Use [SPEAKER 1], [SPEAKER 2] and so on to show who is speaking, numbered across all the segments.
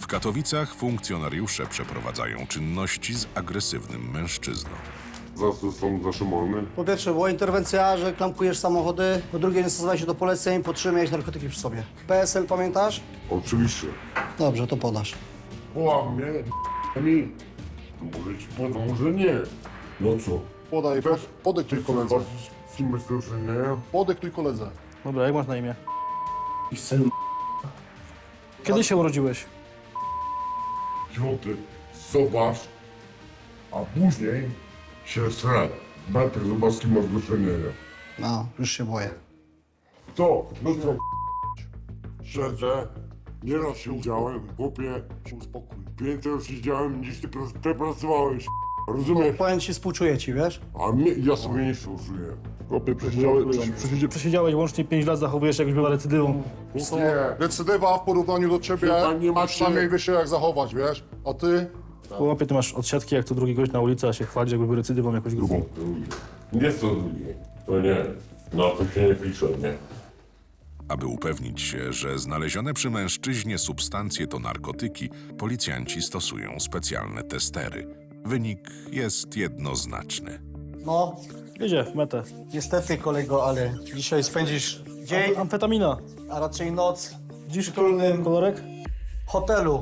[SPEAKER 1] Katowicach funkcjonariusze przeprowadzają czynności z agresywnym mężczyzną.
[SPEAKER 2] Za co są zatrzymane?
[SPEAKER 3] Po pierwsze, była interwencja, że klamkujesz samochody. Po drugie, nie stosowałeś się do poleceń, po trzecie, miałeś narkotyki przy sobie. PSL pamiętasz?
[SPEAKER 2] Oczywiście.
[SPEAKER 3] Dobrze, to podasz.
[SPEAKER 2] Łamie, mi. Może ci podam, może nie. No co?
[SPEAKER 4] Podaj, podyktuj koledze.
[SPEAKER 2] Z kim bezpieczeństwa?
[SPEAKER 4] Podyktuj koledze.
[SPEAKER 5] Dobra, jak masz na imię?
[SPEAKER 2] I syn
[SPEAKER 5] Kiedy się urodziłeś?
[SPEAKER 2] Złoty. Zobacz. A później się sra. Najpierw zobacz, z kim masz do czynienia.
[SPEAKER 3] No, już się boję.
[SPEAKER 2] To, no co? Siedzę. Nieraz siedziałem, chłopie.
[SPEAKER 4] Się uspokój.
[SPEAKER 2] Więcej już siedziałem niż ty pracowałeś. Rozumiesz?
[SPEAKER 3] Powiem ci, współczuję ci, wiesz?
[SPEAKER 2] A mnie, ja sobie nie służyłem. Chłopie,
[SPEAKER 5] Przesiedziałeś łącznie 5 lat, zachowujesz się, jakbyś była recydywą.
[SPEAKER 2] Nie.
[SPEAKER 4] Decydywa w porównaniu do ciebie,
[SPEAKER 2] Chyba nie macie-
[SPEAKER 4] przynajmniej wiesz się jak zachować, wiesz? A ty?
[SPEAKER 5] Chłopie, ty masz odsiadki jak co drugi gość na ulicy, a się chwalisz, jakby był recydywą jakąś grubą.
[SPEAKER 2] Nie to drugie. To nie. Na to się nie pisze, nie?
[SPEAKER 1] Aby upewnić się, że znalezione przy mężczyźnie substancje to narkotyki, policjanci stosują specjalne testery. Wynik jest jednoznaczny.
[SPEAKER 3] No,
[SPEAKER 5] Jedzie w metę.
[SPEAKER 3] niestety, kolego, ale dzisiaj spędzisz dzień,
[SPEAKER 5] Amfetamina.
[SPEAKER 3] a raczej noc
[SPEAKER 5] Dziś
[SPEAKER 3] w przytulnym
[SPEAKER 5] kolorek?
[SPEAKER 3] hotelu.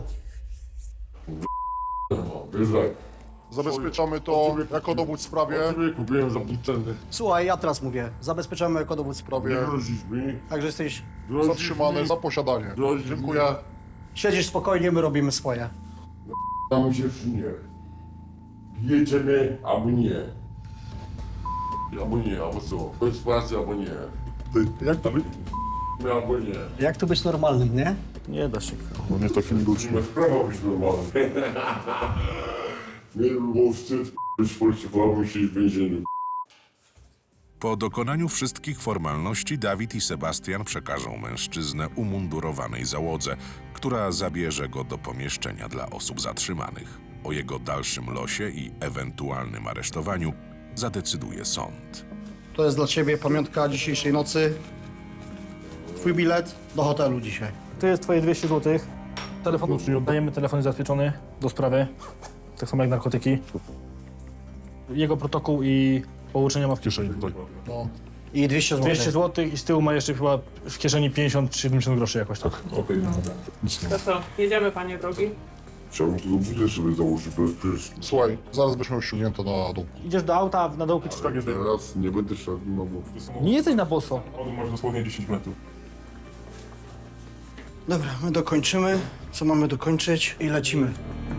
[SPEAKER 2] No, wiesz jak.
[SPEAKER 4] Zabezpieczamy to jako dowód w sprawie.
[SPEAKER 2] Ciebie kupiłem za pół ceny.
[SPEAKER 3] Słuchaj, ja teraz mówię, zabezpieczamy jako dowód w
[SPEAKER 2] Nie
[SPEAKER 3] sprawie.
[SPEAKER 2] grozisz mi.
[SPEAKER 3] Także jesteś,
[SPEAKER 2] Grozisz
[SPEAKER 4] Zatrzymany
[SPEAKER 2] mi.
[SPEAKER 4] za posiadanie.
[SPEAKER 2] Grozisz
[SPEAKER 4] Dziękuję.
[SPEAKER 3] siedzisz spokojnie, my robimy swoje.
[SPEAKER 2] Tam się czy nie. Bijecie mnie, albo nie. Albo nie, albo co? Bez pracy, albo nie.
[SPEAKER 4] Ty, jak to być?
[SPEAKER 2] Albo nie.
[SPEAKER 3] Jak tu być normalnym, nie?
[SPEAKER 5] Nie da się.
[SPEAKER 4] No nie takimi ludźmi.
[SPEAKER 2] Masz prawo być normalny. Nie było wstyd być policyjnym i siedzieć w więzieniu.
[SPEAKER 1] Po dokonaniu wszystkich formalności Dawid i Sebastian przekażą mężczyznę umundurowanej załodze, która zabierze go do pomieszczenia dla osób zatrzymanych. O jego dalszym losie i ewentualnym aresztowaniu zadecyduje sąd.
[SPEAKER 3] To jest dla ciebie pamiątka dzisiejszej nocy. Twój bilet do hotelu dzisiaj.
[SPEAKER 5] To jest twoje 200 zł. Telefon, dajemy telefon zabezpieczony do sprawy. Tak samo jak narkotyki. Jego protokół i pouczenia ma w kieszeni.
[SPEAKER 4] No.
[SPEAKER 3] I 200 zł.
[SPEAKER 5] 200 zł i z tyłu ma jeszcze chyba w kieszeni 50 czy 70 groszy jakoś tak.
[SPEAKER 2] Okej,
[SPEAKER 6] To co, jedziemy, panie drogi?
[SPEAKER 2] Chciałbym tego budę sobie założyć bezpiecznie.
[SPEAKER 4] Słuchaj, zaraz byśmy ściągnięte na dół.
[SPEAKER 5] Idziesz do auta, na dołki czy tak jest?
[SPEAKER 2] Teraz nie będę szedł na bok.
[SPEAKER 5] Nie jesteś na boso.
[SPEAKER 7] Masz dosłownie 10 metrów.
[SPEAKER 3] Dobra, my dokończymy, co mamy dokończyć i lecimy.